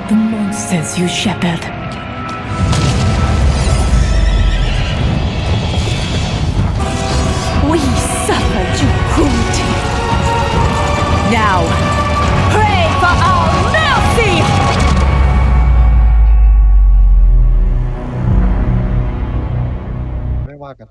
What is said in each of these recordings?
the monsters you shepherd. We suffered your cruelty. Now, pray for our mercy! ไม่ว่ากัน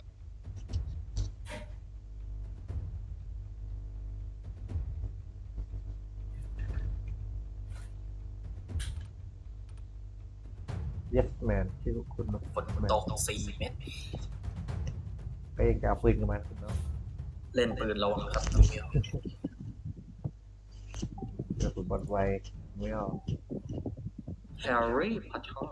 yes man ที่คุณฝนตก4 เม็ดไปเองจะเอาปืนกันมาคุณเนาะเล่นปืนระวังครับน้องเมียวเดี๋ยวคุณบอลไวไม่เอาแฮร์รี่พอตเตอร์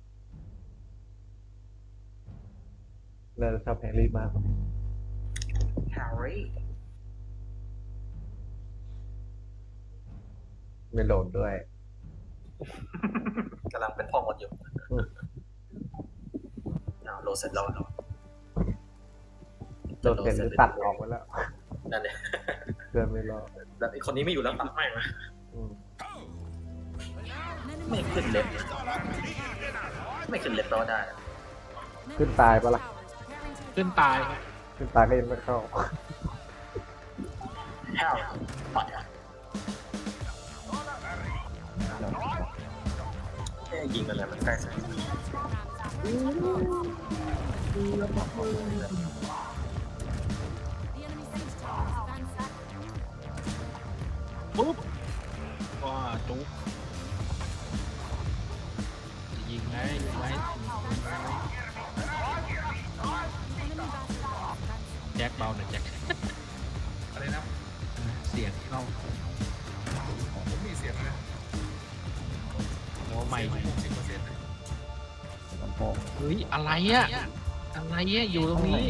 เราชอบแฮร์รี่มากแฮร์รี่ไม่โหลดด้วยกำลังเป็นพ่อมดอยู่เอาโหลดเสร็จแล้วโหลดเสร็จหรือตัดออกไปแล้วนั่นเลยเพื่อนไม่รอดแบบไอ้คนนี้ไม่อยู่แล้วตัดไม่มาอืมไม่ขึ้นเล็บไม่ขึ้นเล็บแปลว่าได้ขึ้นตายปะล่ะขึ้นตายครับขึ้นตายก็ยังไม่เข้าแฮร์รี่พอตเตอร์ยิงอะไรมันใกล้สุดปุ๊บว่าจุ๊บยิงไงยิงไงแจ็คเบาหน่อยแจ็คอะไรนะเสียงเข้าผมมีเสียงนะโอ้ไม่เฮ้ยอะไรอะอะไรอะอยู่ตรงนี้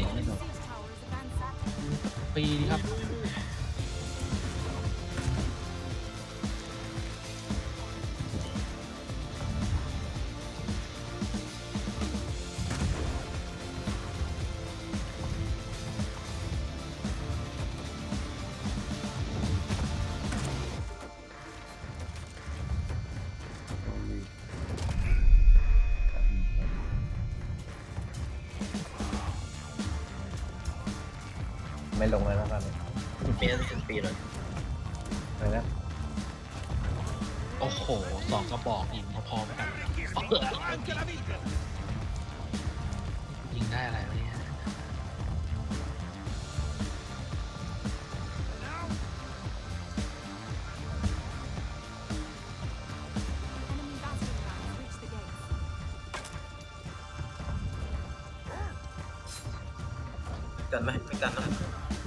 ปีดีครับไม่ลงเลยแล้วกันมีนั่นเป็นปีเลยอะไรนะโอ้โห2 กระบอกยิงพอๆกันยิงได้อะไรวะเนี่ยกันไหมไม่กันนะ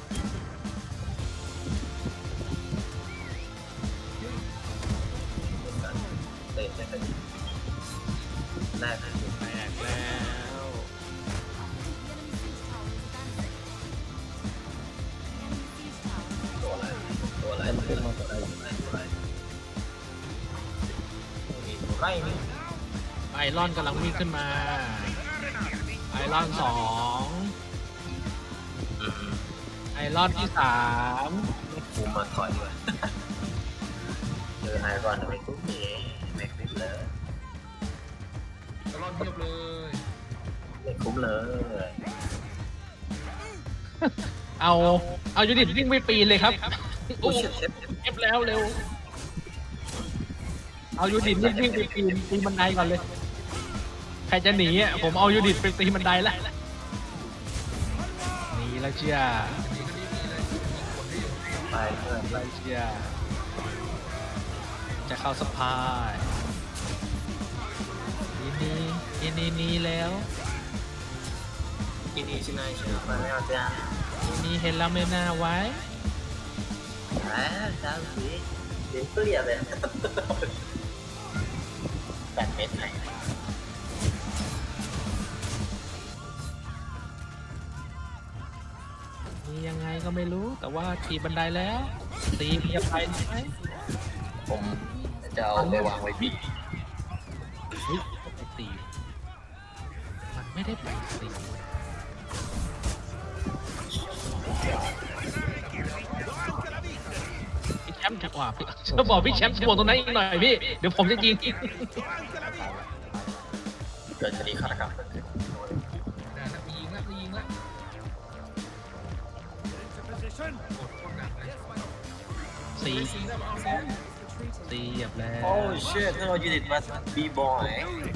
เตะได้กันแรกนะแตกแล้วตัวอะไรตัวอะไรตัวอะไรตัวอะไรตัวอะไรตัวไรนี่ไอรอนกำลังวิ่งขึ้นมาไอรอน2ไอรอนที่3 กูมาถอยด้วยเจอไอรอนไม่คุ้มไม่คุ้มเลยรอดเทียบเลยไม่คุ้มเลยเอายูนิตวิ่งไม่ปีนเลยครับโอ้โอ้เช็ดเช็ดเก็บแล้วเร็วเอายูนิตวิ่งไปปีนบันไดก่อนเลยใครจะหนีอ่ะผมเอายูนิตไปปีนบันไดแล้วหนีแล้วเชียไปเพื่อนไปเชียจะเข้าสปายนี่แล้วกินอีชินายเชื่อมาไม่เอาจ้านี่เห็นแล้วไม่น่าไว้จ้าสิเดี๋ยวเปลี่ยนเลย8 เมตรไหนนี่ยังไงก็ไม่รู้แต่ว่าขี่บันไดแล้วตีมีอภัยไหมผมจะเอาไปวางไว้ที่เฮ้ยไปตีมันไม่ได้ไปตีพี่แชมป์ถูกว่าพี่จะบอกพี่แชมป์บวกตรงนั้นอีกหน่อยพี่เดี๋ยวผมจะยิงเกิดคดีฆาตกรรมเกิดขึ้นได้แล้วมียิงแล้วมียิงแล้วกดโคตรหนักเลยสี่สีแล้วเอาสีตีเหยียบแล้วโอ้เชิดถ้าเรายูนิตมาบีบอย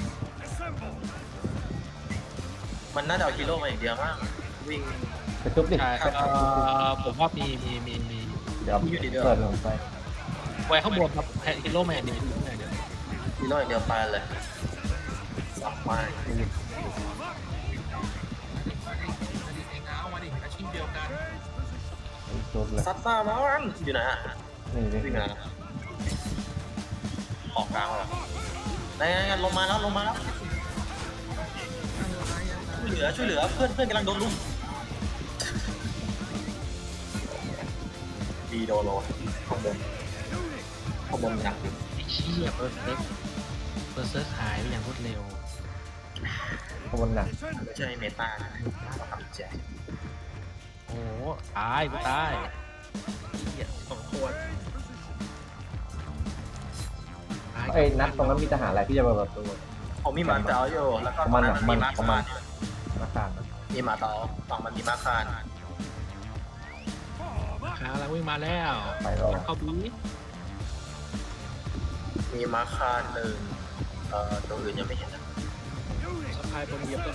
มันน่าจะเอาฮีโร่มาอย่างเดียวมั้งวิ่งไปจุ๊บดิใช่ผมว่ามีเดี๋ยวอยู่ดีเดียวเปิดลงไปไว้ข้างบนครับฮีโร่แมนเดี๋ยวฮีโร่อย่างเดียวไปเลยสับไปมาดิเองเอามาดิอาชีพเดียวกันจุ๊บเลยซัดซ่ามันอยู่ไหนฮะนี่นี่วิ่งมาออกกลางแล้วไหนลงมาแล้วช่วยเหลือเพื่อนกำลังโดนลุมดีโดโลข้างบนหนักไอ้เชี่ยเปิดเซิร์ฟหายไปอย่างรวดเร็วขบวนหนักไม่ใช่เมตาเราทำแจกโอ้ตายกูตายเหี้ยสองคนไอ้นัดตรงนั้นมีทหารอะไรที่จะมาแบบตัวผมมีหมาเต๋าอยู่แล้วก็ตอนนั้นมันมีมาคานมาขานนะมีหมาเต๋าฝั่งมันมีมาคานขาแล้ววิ่งมาแล้วไปรอเข้าบีมีมาคานหนึ่งตัวอื่นยังไม่เห็นนะสะพายบนเหยียบเลย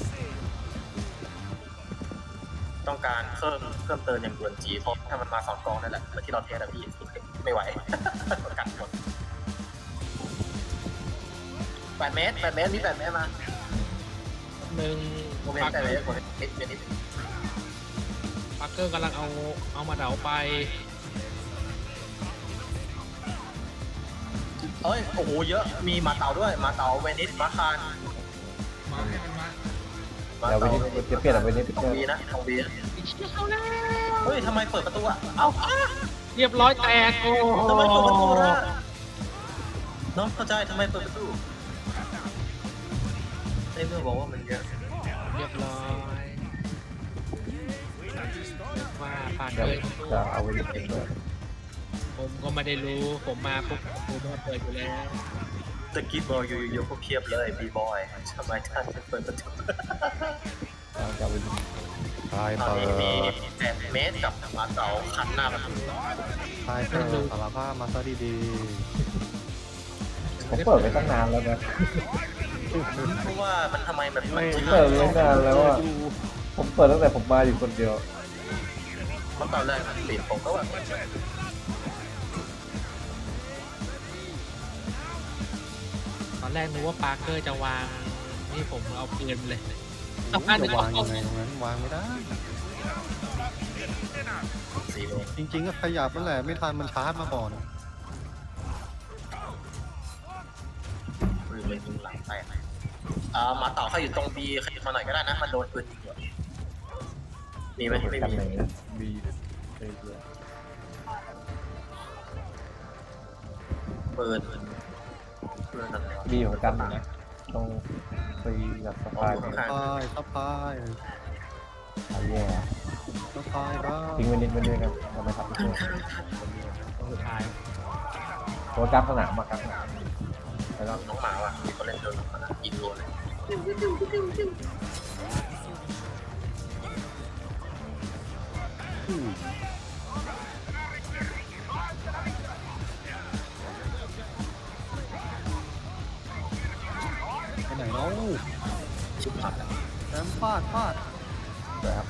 ต้องการเพิ่มเติมอย่างด่วนจีเพราะถ้ามันมา2 กองนั่นแหละเมื่อที่เราเทสอะพี่ไม่ไหวประกันหมด8 เมตรมี8 เมตรมาหนึ่งโมเมนปาต์ร์ 8 เกเมอตรร์ผมนิดปาร์เกอร์กำลังเอามาเดาไปเอ้ยโอ้โหเยอะมีหมาเต๋าด้วยหมาเต๋าเวนิสมาคานมาให้มันมาหมาเดี๋ยวไปเต๋านี่จะเปลี่ยนอะไรไปนี่ทองบีนะทองบีไอ้เชี่ยเข้าแล้วเฮ้ยทำไมเปิดประตูอะเอ้าเรียบร้อยแตกโอ้ทำไมเปิดประตูล่ะน้องเข้าใจทำไมเปิดประตูในเมื่อบอกว่ามันเยอะเรียบร้อยว่าปาร์เกเดี๋ยวอร์จะเอาไปนี่เปิดผมก็ไม่ได้รู้ผมมาปุ๊บผมก็เปิดอยู่แล้วตะกี้บอกอยู่พวกเพียบเลยบีบอยทำไมท่านไม่เปิดประตูจะเอาไปนี่ตายตอนเปินี้มีด 8 เมตรกับหมาเต๋าคันหน้าประตูตายเปิดสารภาพมาซะดีผมเปิดไปตั้งนานแล้วนะเพราะว่ามันทำไมมันๆไม่เปิดไม่นานแล้วอะผมเปิดตั้งแต่ผมมาอยู่คนเดียวเพราะตอนแรกมันปิดผมก็แบบตอนแรกนึกว่าปาร์เกอร์จะวางนี่ผมเอาปืนเลยจะวางยังไงตรงนั้นวางไม่ได้ 4 โมงจริงๆก็ขยับนั่นแหละไม่ทันมันชาร์จมาก่อนปืนมันยิงหลังแตกหมาเต๋าเขาอยู่ตรงบีขยับมาหน่อยก็ได้นะมันโดนปืนยิงอยู่มีไหมไม่กันมีไหนนะบีเยอะปืนอะไรวะบีของกันนะตรงไปกับสะพายข้างทับพายเอาแย่ทับพายบ้าทิ้งไว้นิดไว้ด้วยกันเราไม่ทำตัวต้องสุดท้ายตัวกลางสนามมากลางสนามแล้วก็น้องหมาว่ะมีคนเล่นโดนมันยิงโดนเลยไปไหนเนาะชุบผัดอะแชมป์ฟาดนะครับ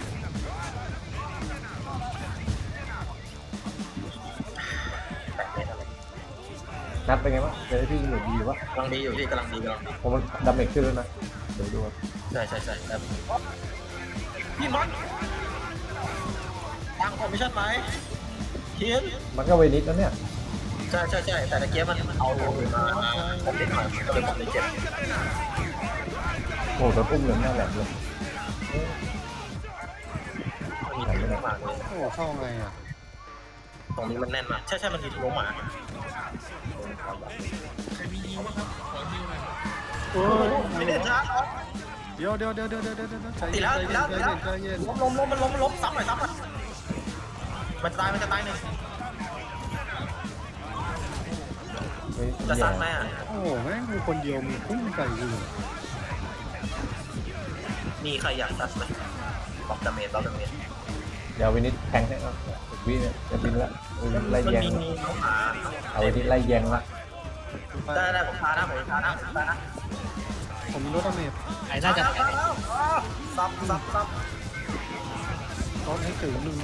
8 เมตรอะไรนัดเป็นไงบ้างเจอที่หนุ่มดีวะกำลังดีอยู่พี่กำลังดีผมมันดาเมจขึ้นแล้วนะเดี๋ยวดูครับใช่แบบพี่มันทางผมไม่ใช่ไหมเทียนมันก็เวนิสแล้วเนี่ยใช่แต่ตะเกียบมันเอาตัวอื่นมาผมนิดหน่อยก็เลยผมเลยเจ็บโอ้โหโดนอุ้มเหลืองหน้าแหลมเลยมีที่มากเลยโอ้เข้าไงอ่ะตรงนี้มันแน่นมากใช่มันมีตัวหมาใครมียิงบ้างครับขอยิงหน่อยไม่ได้ช้าเดี๋ยวใจตีเย็แล้วนใจเย็นล้มมันล้มซ้ำหน่อยมันจะตายหนึ่งจะซัดไหมอ่ะโอ้โหแม่งกูคนเดียวมีพุ่งไก่อยู่มีใครอยากซัดไหมบอกดาเมจบอกดาเมจเดี๋ยววินิจแทงให้เราวินิจจะบินละวินิจไล่มันแยงมีน้องหมาเอาวินิจไล่แยงละได้ผมพานะผมพานะผมพานะผมมีรถอเมริกไอ้น่าจะแตกซับรถให้ถึงหนึ่ง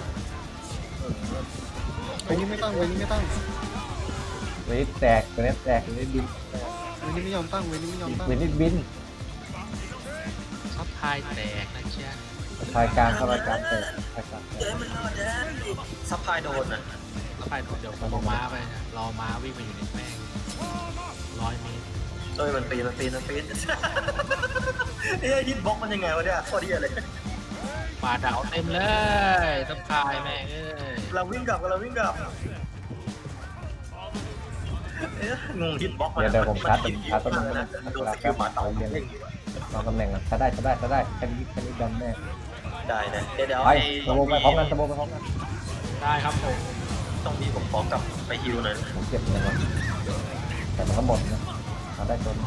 เวยนี้ไม่ตั้งเวยนี้ไม่ตั้งวินิจแตกวินิจแตกวินิจบินเวยนี้ไม่ยอมตั้งเวยนี้ไม่ยอมตั้งวินิจบินซับทายแตกนะเชียทายกลางเข้ารายการแตกรายการแตเจ๊กมันเจ๊ซับพลายโดนอ่ะซับทายเดี๋ยวผมเอาม้าไปนะรอม้าวิ่งมาอยู่ในแม่ง100 เมตรเอ้ยมันปีนเฮ้ยฮิตบ็อกมันยังไงวะเนี่ยโคตรดีเลยป่าดาวเต็มเลยซับทายแม่งเอ้ยเราวิ่งกลับงงฮิตบ็อกมันเดี๋ยวผมชาร์จต้นไม้นะนะโดนสกิลหมาเต่าเรียนเล่นอยู่ลองตำแหน่งกันถ้าได้แค่นี้ดันแน่ได้นะเดี๋ยวไปตะโบไปพร้อมกันตะโบไปพร้อมกันได้ครับผมต้องมีผมขอกลับไปฮิวหน่อยผมเก็บเงินไว้แต่มันก็หมดนะเอาได้จน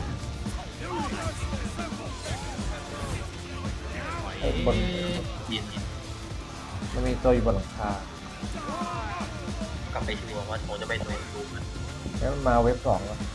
บนยินมันมีตัวอยู่บนหลังคากลับไปฮิวว่าผมจะไปดูมันแล้วมันมาเว็บ 2แล้ว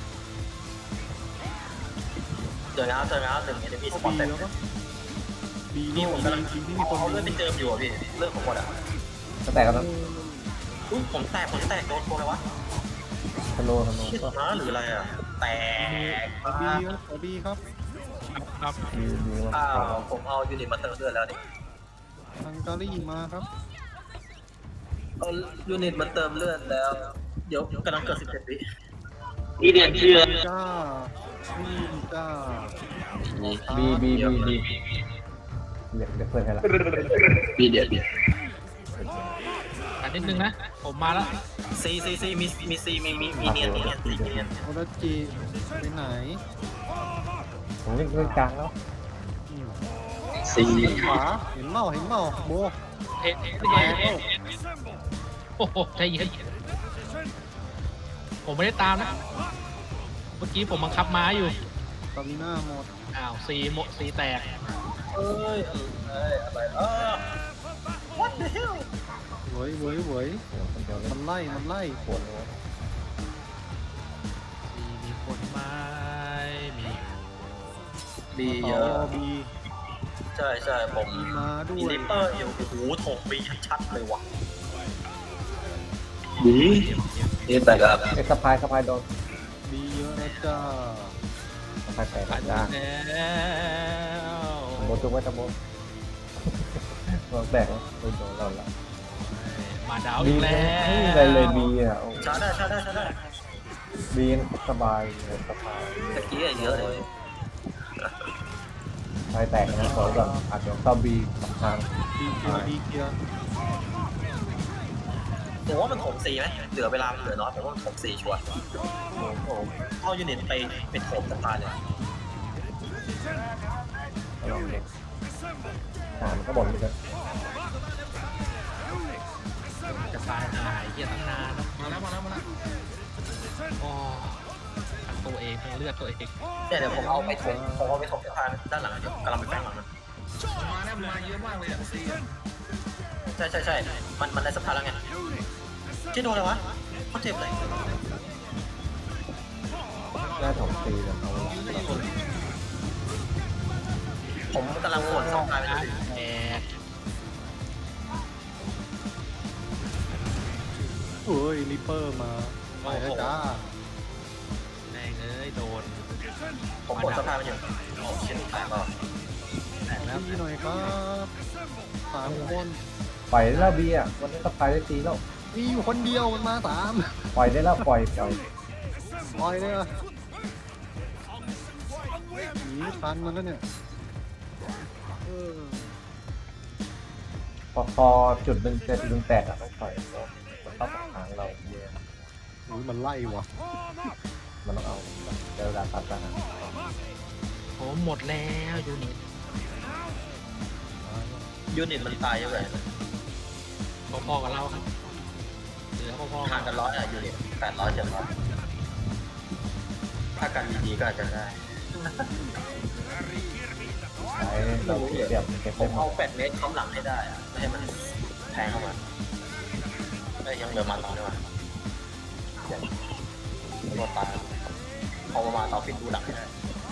เจอแล้วหนึ่งเอเดมี่สปอบีร์ตเต็มแล้วก็บีนี่โน่ผมกำลังบีที่มีคนเอาเลือดไปเติมอยู่อ่ะพี่เลือดผมหมดอ่ะก็แตกกันแล้วอุ้ยผมแตกโดนตัวอะไรวะธนูชิดก็ม้าหรืออะไรอ่ะแตกบีครับครับดีมันอ้าวผมเอายูนิตมาเติมเลือดแล้วนี่ฮังการีมาครับเอายูนิตมาเติมเลือดแล้ว เดี๋ยวกำลังเกิด17 วิจ้านี่จ้าบีเรียกเพื่อนให้ละอันนิดนึงนะผมมาแล้วซีมีซีมีเนียนโอราจิไปไหนผมเล่นกลางแล้วขวาเห็นเมาโบเอ๊ะโอ้โหใจเย็นผมไม่ได้ตามนะเมื่อกี้ผมบังคับม้าอยู่ตามิน่าหมดอ้าวซีแตกเอ้ยอะไรwhat the hell เว้ยคนเดียวเล่มัน นไล่ปวดเลยซีมีคนไหม้มีบีเยต่ออะบีใช่ผมบีมาด้มีวยลิปเปอร์อยู่โอ้โหถกบีชัดๆเลยว่ะเอ้สะพายโดนบีเยอะนะจ้าสะพายแตกผ่านจ้าแล้วโบจุกไว้ตะโบลองแตกแล้วโดนเราละมาดาวบีอีกไม่แล้วมีอะไรเลยบีอ่ะชาร์จได้บีสบายเลยสบายตะกี้เยอะเลยสายแตกนะขอก่อนอาจจะเข้าบีสองทางบีเกียร์ผมว่ามันถมซีไหมเหลือเวลาเหลือน้อยผมว่ามันถมซีชัวร์ผมเอายูนิตไปเป็นถมสะพานเลยลองเด็กมันก็บ่นเหมือนกันจะตายหายเหี้ยตั้งนานแล้วมาแล้วโอ้ทั้งตัวเองทั้งเลือดตัวเองเดี๋ยวผมเอาไปถมสะพานด้านหลังเดี๋ยวกำลังไปแฝงหลังมันมาเยอะมากเลยอ่ะซีใช่มันได้สะพานแล้วไงที่โดนอะไรวะเขาเจ็บเลยหน้าถงตีแบบเอาผมกำลังโหนสะพานไปนะเลยแตกเฮ้ยริปเปอร์มาไปแล้วจ้าแม่งเอ้ยโดนผมโหนสะพานไปอยู่โอ้เชี่ยแตกแล้วแตกแล้วบีหน่อยครับ3 คนปล่อยได้แล้วบีอ่ะวันนี้สะพายได้ตีแล้วมีอยู่คนเดียวมันมา3 ปล่อยได้แล้วปล่อยปล่อยเลยอ่ะหนีทันมันแล้วเนี่ยพอจุดหนึ่งจะดึงแตกอ่ะต้องปล่อยมันต้องหางเราเยอะอุ้ยมันไล่ว่ะมันต้องเอาเวลาตัดกันผมหมดแล้วยูนิตยูนิตมันตายเยอะเลยพอๆกับเราครับเหลือพอๆกัห่างนกัน100อ่ะยูนิต800 700 ถ้าการดีๆก็อาจจะได้ใช้เราเสียบเก็บผได้มหมเอาด 8 เมตรค้ำหลังให้ได้อะไม่ให้มันแทงเข้ามายังเหลือมาต่อได้ไหมรถตายเอามาต่อฟิตดูหลังให้ได้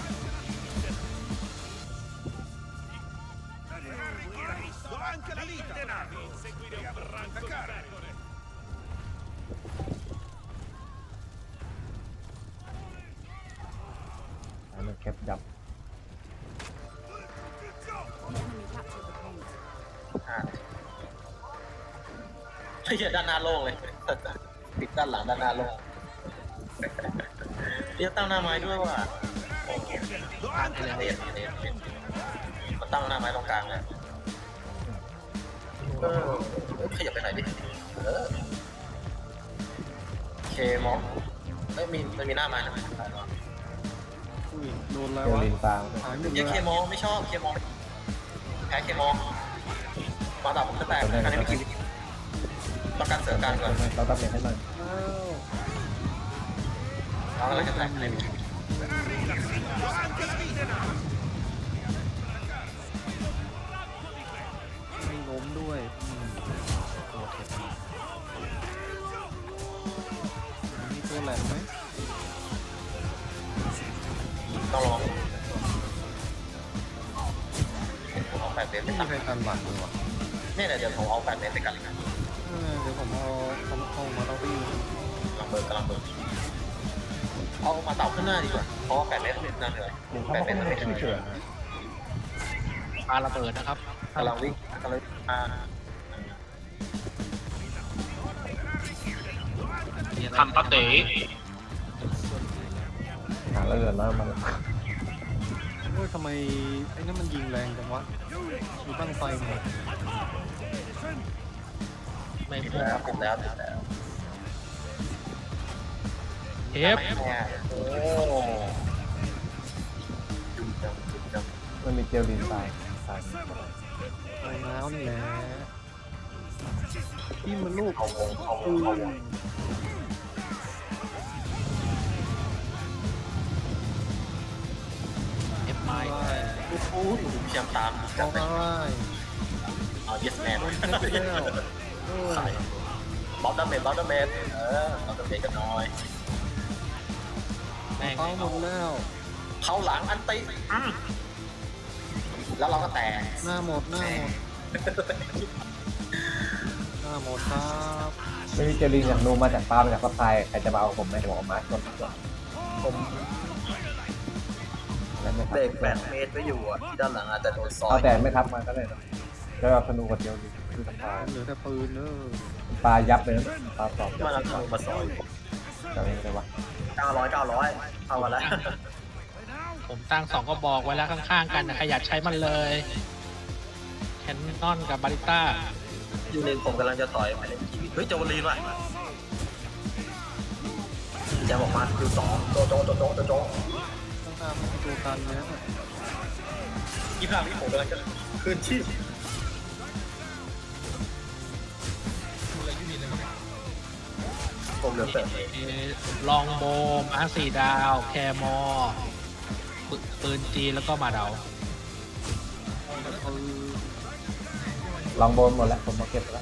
ให้มันเก็บยับไอ้เหี้ยด้านหน้าโล่งเลย ปิดด้านหลังด้านหน้าโล่งเรียกตั้งหน้าไม้ด้วยว่ะโอ้โหผ่านไปแล้วเรียนมันตั้งหน้าไม้ตรงกลางเลยขยับไปไหนดิเคมองมันมีหน้าไม้นะอุ้ยโดนอะไรเจอวะลินตางหายหมดเลเรียยกเคมองไม่ชอบเคมองแพ้เคมองมาต่อผมจะแตกอันนี้ไม่คิดต้องการเสริมการก่อนเราต้องเปลี่ยนให้หน่อยเอาอะไรจะแตกอะไรไม่คิดไม่ล้มด้วยมีตัวแหลมไหมต้องลองผมเอา8 เมตรไปไม่มีตัดใครกันหลังเลยวะเนี่ยเดี๋ยวผมเอา8 เมตรไปกันเลยนะเดี๋ยวผมเอามาเอาไปอยู่กำลังเบิร์เอามาเต่าขึ้นหน้าดีกว่าเพราะว่า8 เมตรนั่นเลยลินเขา 8 ก็เมตรไม่ไม่ได้ได้ชื่อเฉยปาระเบิดนะครับกำลังวิ่งมาทำปะเต๋หาแล้วเกินแล้วมันโอ้ยทำไมไอ้นั่นมันยิงแรงจังวะมีบ้างไฟไหมไม่ติดพุ่งแล้วติดแล้วติดแล้วเทปเนี่ยโอ้จุ่มจังมันมีเจลลินตางตางโอ้น้าวนี่แหละที่มันลูกเข้าวงเทปไม้โอ้โหพยายามตามเอาจับอะไรเอา yes man โดนเช็ดไปแล้วเออใส่บอลดาเมจบอลดาเมจบอลดาเมจกันหน่อยแม่งเป้าหมดแล้วเข้าหลังอันติแล้วเราก็แตกหน้าหมดหน้าหมดหน้าหมดครับไม่มีเจลลินอย่างนูมาจากปลามาจากซัพพลายใครจะมาเอาผมไหมจะบอกมาชนผมแล้วไม่ทัเบรก8 เมตรไว้อยู่อ่ะที่ด้านหลังอาจจะโดนซอเอายแต่ไม่ทับมาก็เลยแล้วเอาธนูกับเจลลินคือปลาเหลือแต่ปืนเนอะปลายับเลยปลาตอบมันเอาธนูมาซอยจะอะไรวะ 900เอามาแล้วผมตั้ง2 ก็บอกไว้แล้วข้างๆกันนะใครอยากใช้มันเลยแคนนอนกับบาริต้าอยู่ในผมกำลังจะถอยไปเล่นทีวีเฮ้ยโจลีนว่ะแจมออกมาคิว2โจต้องตามมันเป็นตัวกันนะอีพลาที่ผมกำลังจะคืนชีพผมเหลือเสริมลองโบมา4 ดาวแคมอปืนจีแล้วก็มาเดาลองโบนหมดแล้วผมมาเก็บแล้ว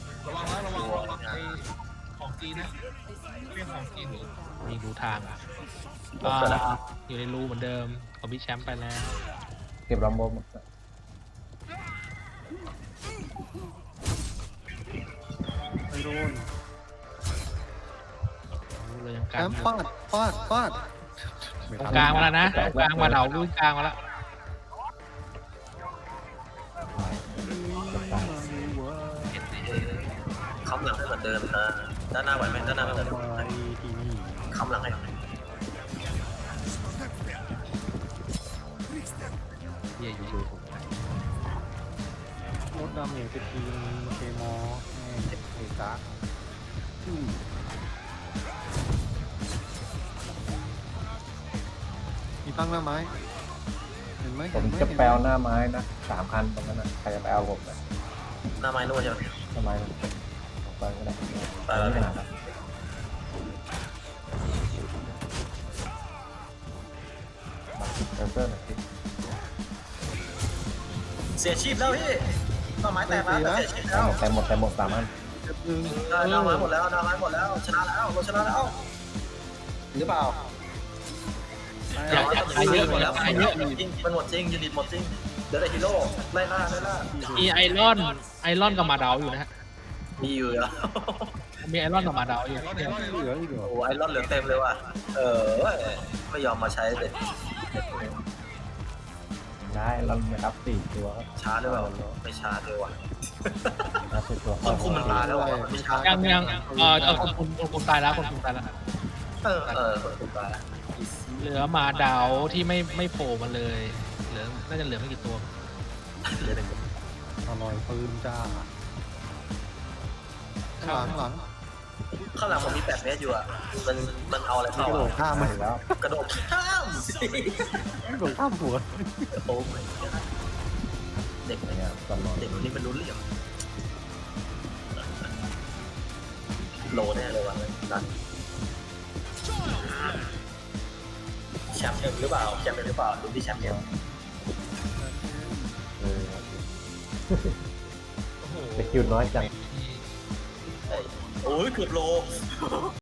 มีดูทางอ่ะอยู่ในรูเหมือนเดิมของพี่แชมป์ไปแล้วเก็บลองโบนหมดไปโดนเลยยังกัแอน มฟาดฟาดตรงกลางมาแล้วนะตรงกลางมาเดาวิ่งกลางมาแล้วค้ำหลังให้เหมือนเดิมนะด้านหน้าไหวไหมด้านหน้าไหวไหมไปที่นี่ค้ำหลังให้เย่รถดำเนี่ยเป็นทีมเคมอแม่งเอกะมีตั้งหน้าไม้เห็นไหมผมจะแปลหน้าไม้นะ3 คันตรงนั้นนะใครจะไปเอาผมนะหน้าไม้นู่นใช่ไหมทำไมไปก็ได้ไปแล้วไม่เนี่ยหาครับเตอร์หน่อยสิเสียชีพแล้วพี่ต้นไม้แตกแล้วเสียชีพแล้วแต่หมด3 อันหนึ่งได้ดาวไม้หมดแล้วดาวไม้หมดแล้วชนะแล้วเราชนะแล้วหรือเปล่าอย่าตายเยอะหมดแล้วตายเยอะจริงมันหมดจริงยูนิตหมดจริงเดี๋ยวได้ฮีโร่ไล่ล่ามีไอรอนกับมาดาวอยู่นะฮะมีอยู่แล้วมีไอรอนกับมาดาวอยู่เหลืออีกเหรอโอ้ไอรอนเหลือเต็มเลยว่ะไม่ยอมมาใช้เด็ดได้เราไม่รับ4 ตัวช้าหรือเปล่าไม่ช้าเลยว่ะรับ4 ตัวคนคุมมันตายแล้วอ่ะไม่ช้ายังคนตายแล้วคนตายแล้วคนคุมตายแล้วเหลือมาดาวที่ไม่โผล่มาเลยเหลือน่าจะเหลือไม่กี่ตัวอร่อยปืนจ้าข้างหลังข้างหลังผมมี8 เมตรอยู่อ่ะมันเอาอะไรกเข้าระโดดข้ามมามาแล้วกระโดดข้ามกระโดดข้ามหัวโอ้เด็กเนี่ยตลอดเด็กคนนี้มันรู้เรื่องโลแน่เลยว่ะนั่นแชมป์เอ็มหรือเปล่าแชมป์เอ็มหรือเปล่าดูที่แชมป์เอ็มสกิลน้อยจังโอ้ยเกือบโล